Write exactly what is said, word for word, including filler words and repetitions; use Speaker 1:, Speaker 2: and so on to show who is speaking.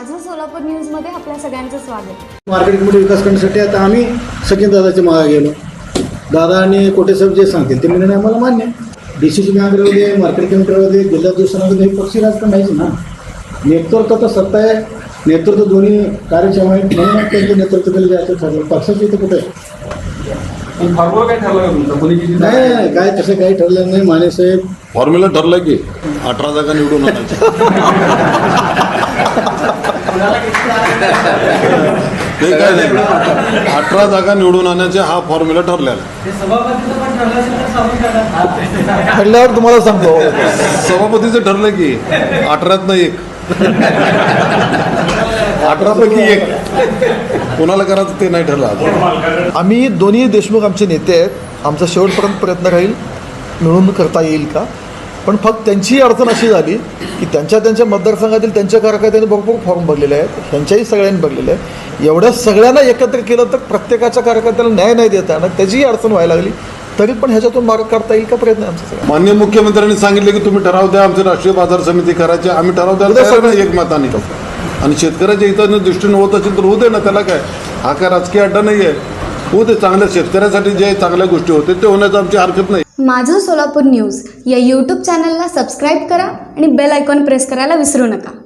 Speaker 1: माझं सोलापूर न्यूजमध्ये आपल्या सगळ्यांचं स्वागत।
Speaker 2: मार्केट कमिटी विकास करण्यासाठी आता आम्ही सचिन दादाच्या मागे गेलो। दादा आणि कोटेसाहेब जे सांगतील ते निर्णय आम्हाला मान्य आहे। डी सी सी बँकमध्ये मार्केट कमिटीमध्ये जिल्हा दिवसांमध्ये हे पक्षी राजकारण नाहीच ना। नेतृत्व तर सत्ता आहे, नेतृत्व दोन्ही कार्यक्षम आहे म्हणून त्यांचं नेतृत्व केलं जायचं ठरलं। पक्षाचं इथं कुठे
Speaker 3: फॉर्म्युला काय ठरलं का तुमचं? कोणी किती
Speaker 2: नाही नाही काय तसं काही ठरलं नाही। माने साहेब
Speaker 4: फॉर्म्युला ठरलं की अठरा जागा निवडून आणायच्या ते काय नाही, अठरा जागा निवडून आणायचे हा फॉर्म्युला ठरलेला।
Speaker 5: ठरल्यावर तुम्हाला सांगतो
Speaker 4: सभापतीचं ठरलं की अठरात नाही एक अठरा पैकी एक कोणाला करायचं ते नाही ठरलं।
Speaker 5: आम्ही दोन्ही देशमुख आमचे नेते आहेत, आमचा शेवटपर्यंत प्रयत्न राहील मिळून करता येईल का। पण फक्त त्यांची अडचण अशी झाली की त्यांच्या त्यांच्या मतदारसंघातील त्यांच्या कार्यकर्त्यांनी भरपूर फॉर्म भरलेले आहेत, ह्यांच्याही सगळ्यांनी भरलेले आहेत। एवढ्या सगळ्यांना एकत्र केलं तर प्रत्येकाच्या कार्यकर्त्याला न्याय नाही देता येणार, त्याचीही अडचण व्हायला लागली। तरी पण ह्याच्यातून मार्ग काढता येईल का प्रयत्न आमचा सगळा।
Speaker 4: माननीय मुख्यमंत्र्यांनी सांगितले की तुम्ही ठराव द्या, आमची राष्ट्रीय बाजार समिती करायची, आम्ही ठराव द्यायला तयार नाही एकमताने। आणि शेतकऱ्याच्या हिताने दृष्टीने होत असेल तर होऊ दे ना, त्याला काय, हा काय राजकीय अड्डा नाही आहे, होऊ दे। चांगल्या शेतकऱ्यासाठी जे चांगल्या गोष्टी होते ते होण्याचं आमची हरकत नाही।
Speaker 1: माझं सोलापूर न्यूज या यूट्यूब चॅनलला सबस्क्राईब करा आणि बेल आयकॉन प्रेस करायला विसरू नका।